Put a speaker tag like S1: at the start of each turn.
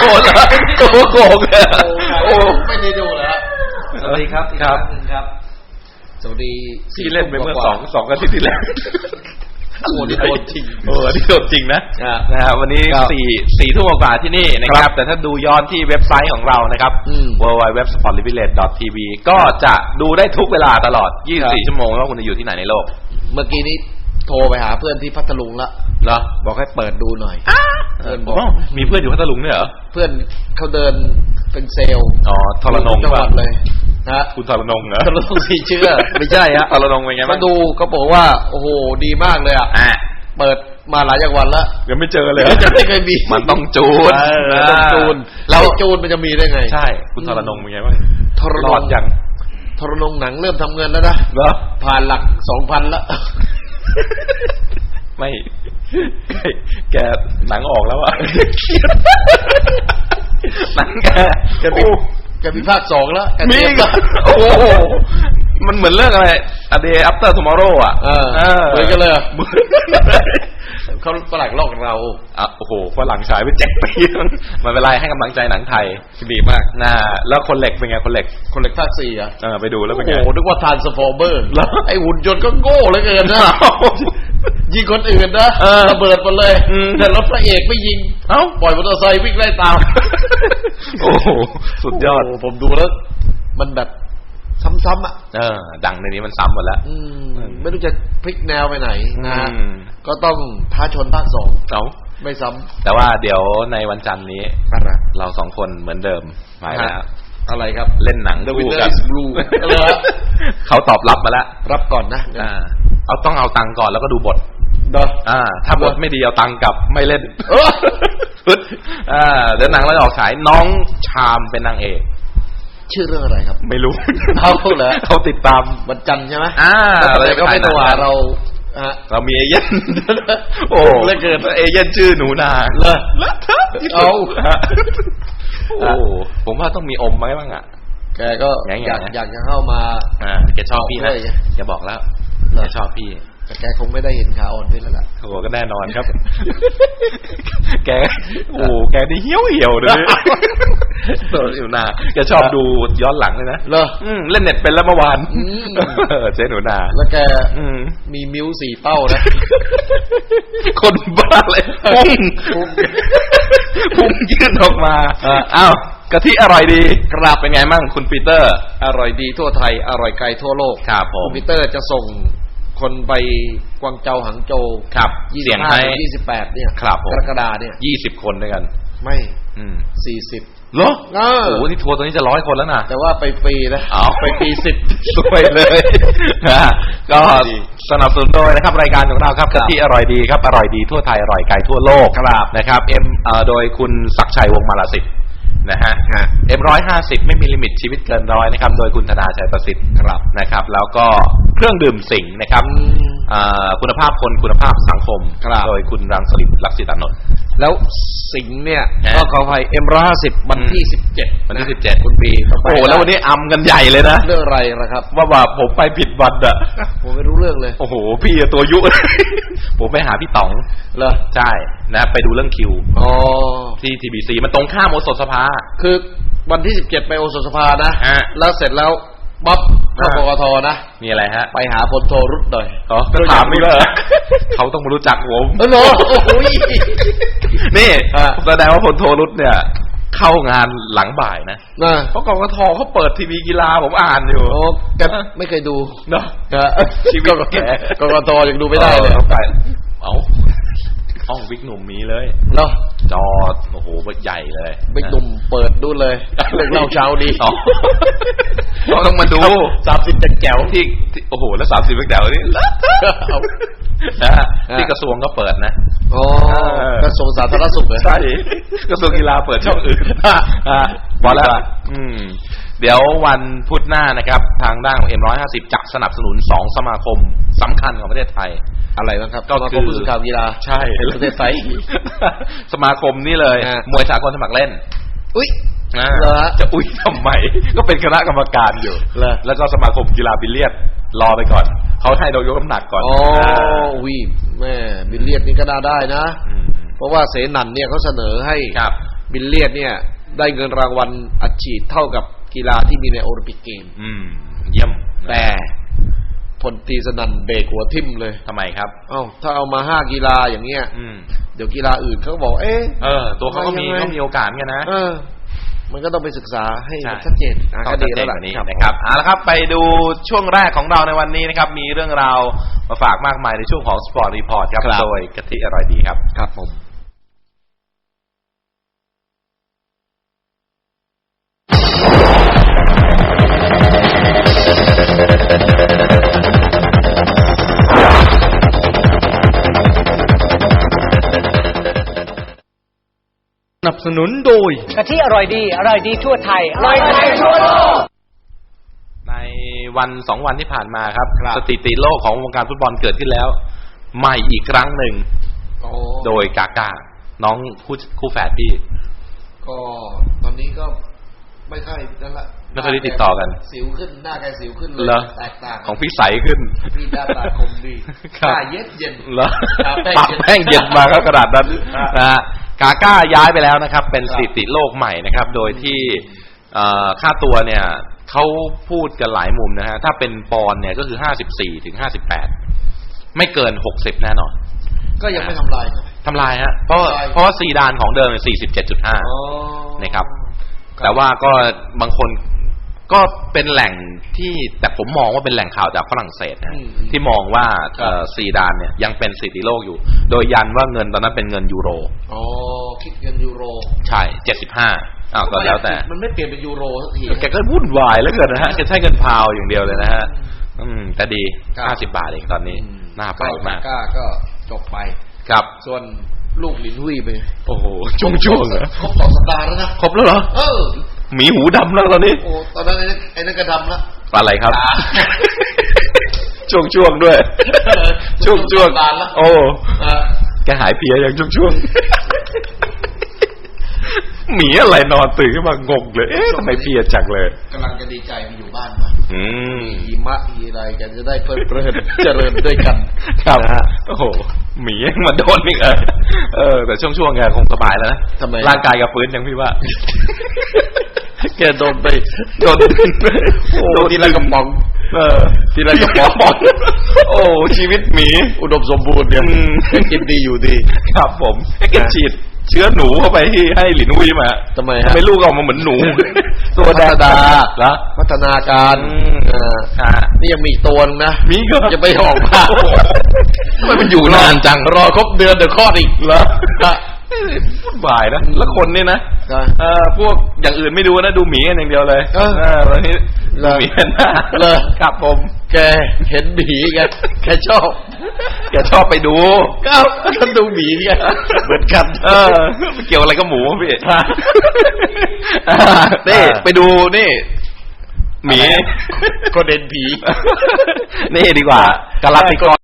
S1: โหเหรอโกงเลย
S2: โอ้ไม่ได้ดูแล้วสวัสดีครับอีกครั้งนึงครับสวัสดี
S1: ที่เล่นไปเมื่อ2อาทิตย์ที่แล้ว
S2: โอ้นี่โดนจริง
S1: นี่โดนจริงนะนะครับวันนี้4 ทุ่มกว่าที่นี่นะครับแต่ถ้าดูย้อนที่เว็บไซต์ของเรานะครับ www.sportvillage.tv ก็จะดูได้ทุกเวลาตลอด24ชั่วโมงว่าคุณจะอยู่ที่ไหนในโลก
S2: เมื่อกี้นี้โทรไปหาเพื่อนที่พัทลุงละ
S1: เหรอ
S2: บอกให้เปิดดูหน่อย
S1: เพื่อนบอกมีเพื่อนอยู่พัทลุงเนี่ยเหรอ
S2: เพื่อนเขาเดินเป็นเซลล์
S1: ทรนง
S2: จังหวัดเลยนะ
S1: คุณทรนงเหรอ
S2: ทรนงสีเชื่อไม่ใช่ฮะ
S1: ทรนงเป็นไงบ้าง
S2: มาดูเขาบอกว่าโอ้โหดีมากเลยอ่ะเปิดมาหลายจังหวัดแล้ว
S1: ยังไม่เจอเลย
S2: ไม่เคยมี
S1: มันต้องจูน
S2: ต้องจูนแล้วจูนมันจะมีได้ไง
S1: ใช่คุณทรนงเป็นไงบ้าง
S2: ทรนง
S1: ยัง
S2: ทรนงหนังเริ่มทำเงินแล้วนะผ่านหลัก 2,000 แล้ว
S1: ไม่แกหนังออกแล้วอ่ะหนังแ
S2: กมีภาค 2แล้ว
S1: มีก็โอ้โหมันเหมือนเรื่องอะไร A Day After Tomorrow อ่ะ
S2: เหมือนกันเลยเขาฝรั่งลอกเรา
S1: โอ้โหฝรั่งฉายไป7 ปีมันเป็นไรให้กำลังใจหนังไทยดีมากนะแล้วคนเหล็กเป็นไงคนเหล็ก
S2: ภาค 4อ่ะ
S1: ไปดูแล้วเป็นไง
S2: โอ้โหนึกว่า Transformer ไอ้หุ่นยนต์ก็โง่เหลือเกินนะยิงคนอื่นนะระเบิดหมดเลยแต่รถพระเอกไม่ยิงปล่อยมอเตอร์ไซค์วิ่งไล่ตาม
S1: โอ้โหสุดยอด
S2: ผมดูแล้วมันแบบซ้ำๆอ่ะ
S1: ดังในนี้มันซ้ำหมดแล้ว
S2: ไม่รู้จะพลิกแนวไปไหนนะก็ต้องท้าชนภาค 2ไม่ซ้ำ
S1: แต่ว่าเดี๋ยวในวันจันทร์นี้เรา2 คนเหมือนเดิมมาแล้ว
S2: อะไรครับ
S1: เล่นหนังคู่กันเขาตอบรับมาแล้ว
S2: รับก่อนนะ
S1: ต้องเอาตังค์ก่อนแล้วก็ดูบทถ้าบทไม่ดีเอาตังค์กลับไม่เล่นเดี๋ยวหนังเราออกฉายน้องชามเป็นนางเอก
S2: ชื่อเรื่องอะไรครับ
S1: ไม่รู้
S2: เหรอ
S1: เขาติดตาม
S2: วันจันทร์ใช่ไหม
S1: เรา
S2: ก็ไม่ตัว
S1: เรามีเอเย่นโอ้แล้วเกิดเอเย่นชื่อหนูนา
S2: เลยเอา
S1: โอ้ผมว่าต้องมีอมไหมบ้างอ่ะ
S2: แกก็อยากจะเข้ามา
S1: แกชอบพี่นะแกบอกแล้วแกชอบพี่
S2: แต่แกคงไม่ได้เห็นขาอ่อนพี่แล้วล่ะ
S1: โอ้ก็แน่นอนครับแกแกนี่เหี่ยวเลยอยู่นาแกชอบดูย้อนหลังเลยนะเล่นเน็ตเป็นแล้วเมื่อวานเจ๊หนูนา
S2: แล้วแกมีมิ้ว4 เป้านะ
S1: คนบ้าเลยพุ่งยื่นออกมาอ้าวกะทิอร่อยดีกราบเป็นไงมั่งคุณปีเตอร์
S2: อร่อยดีทั่วไทยอร่อยไกลทั่วโลก
S1: ครับผม
S2: คุณปีเตอร์จะส่งคนไปกวางเจาหังโจว
S1: ครับ
S2: 25-28เนี่ยกรกฎาเนี่ย
S1: 20 คนด้วยกัน
S2: ไม่40
S1: เหรอโอ้โหนี่ทัวร์ตอนนี้จะ100 คนแล้วนะ
S2: แต่ว่าไปฟรีนะไปฟรี10
S1: สวยเลยก็สนับสนุนโดยนะครับรายการของเราครับกะทิอร่อยดีครับอร่อยดีทั่วไทยอร่อยไกลทั่วโลกนะครับโดยคุณศักดิ์ชัยวงศ์มาลาสิทธิ์นะฮะ M150 ไม่มีลิมิตชีวิตเกิน100นะครับโดยคุณธนาชัยประสิทธิ์นะครับแล้วก็เครื่องดื่มสิงห์นะครับคุณภาพคนคุณภาพสังคมโดยคุณรังสฤษดิ์ลักษิตานนท์
S2: แล้วสิงห์เนี่ยก็ขออภัย M150 วันที่17
S1: คุณปีโอ้แล้ววันนี้อำกันใหญ่เลยนะ
S2: เรื่องอะไรนะครับ
S1: ว่าผมไปผิดวันอ่ะ
S2: ผมไม่รู้เรื่องเลย
S1: โอ้โหพี่ตัวยุผมไปหาพี่ต๋อง
S2: เหรอ
S1: ใช่นะไปดูเรื่องคิวที่ TBC มันตรงข้ามโอสถสภา
S2: คือวันที่17ไปโอสถสภานะแล้วเสร็จแล้วบ๊อบเข้าปกทนะ
S1: มีอะไรฮะ
S2: ไปหาพลโทรุตหน่อย
S1: ถามนี่เหรอเขาต้องมารู้จักผม
S2: เหรอโอ้โห
S1: นี่แสดงว่าพลโทรุตเนี่ยเข้างานหลังบ่ายนะเพราะกกทเขาเปิดทีวีกีฬาผมอ่านอยู่
S2: แกไม่เคยดู
S1: เนาะ
S2: ชีวิตแกกกทยังดูไม่ได้เลย
S1: ห้องวิกหนุ่มมีเลย
S2: เนาะ
S1: จอโอ้โหใหญ่เลย
S2: วิกหนุ่มเปิดดูเลยเรื่องเล่าเช้าดี
S1: ต้องมาดู
S2: 30แจ๋ว
S1: ที่โอ้โหแล้ว30แจ๋วนี่ที่กระทรวงก็เปิดนะ
S2: กระทรวงสาธารณสุขเลย
S1: ใช่กระทรวงกีฬาเปิดช่องอื่นพอแล้วเดี๋ยววันพุธหน้านะครับทางด้านของ M150 จะสนับสนุน2 สมาคมสำคัญของประเทศไทย
S2: อะไรนะครับก็คือผู้สื่อข่าวกีฬา
S1: ใช่
S2: ประเทศไทย
S1: สมาคมนี่เลยมวยสากลสมัครเล่น
S2: อุ๊ย
S1: จะอุ๊ยทำไมก็เป็นคณะกรรมการอยู่แล้วก็สมาคมกีฬาบิลเลียดรอไปก่อนเขาให้เรายกน้ำหนักก่อน
S2: วิแม่บิลเลียดนี่ก็ได้นะเพราะว่าเสนันเนี่ยเขาเสนอให้บิลเลียดเนี่ยได้เงินรางวัลอัดฉีดเท่ากับกีฬาที่มีในโอลิมปิกเกม
S1: เยี่ยม
S2: แต่พลตรีสนั่นเบรกหัวทิ่มเลย
S1: ทำไมครับ
S2: ถ้าเอามา5กีฬาอย่างเงี้ยเดี๋ยวกีฬาอื่นเขาบอก
S1: ตัวเขาก็มีโอกาสกันนะ
S2: มันก็ต้องไปศึกษาให้ชัดเจน
S1: ก็ดีแล้วล่ะนี่นะครับเอาละครับไปดูช่วงแรกของเราในวันนี้นะครับมีเรื่องราวมาฝากมากมายในช่วงของ Sport Report ครับโดยกะทิอร่อยดีครับ
S2: ครับผม
S1: สนับสนุนโดย
S3: กะทิอร่อยดีทั่วไทยอร่อยไทยทั่วโลก
S1: ในวัน2วันที่ผ่านมาครับสถิติโลกของวงการฟุตบอลเกิดขึ้นแล้วใหม่อีกครั้งหนึ่งโดยกาก้าน้องคู่แฝดพี่
S2: ก็ตอนนี้ก็ไม่ค่อยนั่นละ
S1: ไม่ค่อยได้ติดต่อกัน
S2: สิวขึ้นหน้าแกสิวขึ้นเลยแตกต่าง
S1: ของพี่ใสขึ้น
S2: พี่หน้าตาคมดีหน้าเย็น
S1: เหรอปากแป้งเย็นมาครับกระดาษนั้นนะฮะกาก้าย้ายไปแล้วนะครับเป็นสถิติโลกใหม่นะครับโดยที่ค่าตัวเนี่ยเขาพูดกันหลายมุมนะฮะถ้าเป็นปอนด์เนี่ยก็คือ54ถึง58ไม่เกิน60แน่นอน
S2: ก็ยังไม่ทำลาย
S1: ฮะเพราะว่าซีดานของเดิม47.5นะครับแต่ว่าก็บางคนก็เป็นแหล่งที่แต่ผมมองว่าเป็นแหล่งข่าวจากฝรั่งเศสนะที่มองว่าซีดานเนี่ยยังเป็นสถิติโลกอยู่โดยยันว่าเงินตอนนั้นเป็นเงินยูโร
S2: คิดเงินยูโร
S1: ใช่75ก็แล้วแต่
S2: มันไม่เปลี่ยนเป็นยูโรสักที
S1: แกก็วุ่นวายแล้วเกินนะฮะแกใช้เงินพาวอย่างเดียวเลยนะฮะแต่ดี50 บาทเองตอนนี้น่าไปมาก
S2: ก็จบไป
S1: ครับ
S2: ส่วนลูกหลินหุยไป
S1: โอ้โหช่วงเหรอ
S2: ครบ2 สัปดาห์แล้วนะ
S1: ครบแล้วเหรอหมีหูดำแล้วตอนนี้
S2: โอ้ตอนนั้นไอ้นั่นก็ดำแล้ว
S1: อะไรครับช่วงด้วยช่วงโอ้แกหายเพลียอย่างช่วงหมีอะไรนอนตื่นขึ้นมางงเลยทำไมเพลียจังเลย
S2: กำลังจะดีใจไปอยู่บ้านมาหิมะอะไรกันจะได้เพลิดเพลินเจริญด้วยกัน
S1: ครับโอ้โหหมีมาโดนอีกแต่ช่วงแกคงสบายแล้วนะร่างกายกับฟื้นยังพี่ว่า
S2: แกโดนทีละกระป๋อง
S1: ทีละกระป๋องโอ้ชีวิตหมี
S2: อุดมสมบูรณ์เนี่ยกินดีอยู่ดี
S1: ครับผมแกฉีดเชื้อหนูเข้าไปที่ให้หลินหุยมา
S2: ทำไมฮะ
S1: ไม่ลูกออกมาเหมือนหนูตัวแดง
S2: แล้วพัฒนาการนี่ยังมีอีกตัวนึงนะ
S1: มีก็
S2: จะไปออกมา
S1: มันอยู่นานจัง
S2: รอครบเดือนเดี๋ยวคลอดอีก
S1: เหรอวุ่นวายนะแล้วคนนี่นะพวกอย่างอื่นไม่ดูนะดูหมีกันอย่างเดียวเลยวันนี้หมีนะ
S2: เลย
S1: ครับผม
S2: แกเห็นหมีแกชอบ
S1: ไปดู
S2: ก็ดูหมีไงเหมือนกัน
S1: เกี่ยวอะไรกับหมูพี่นี่ไปดูนี่หมี
S2: ก็เด่นผี
S1: นี่ดีกว่ากาลาติกร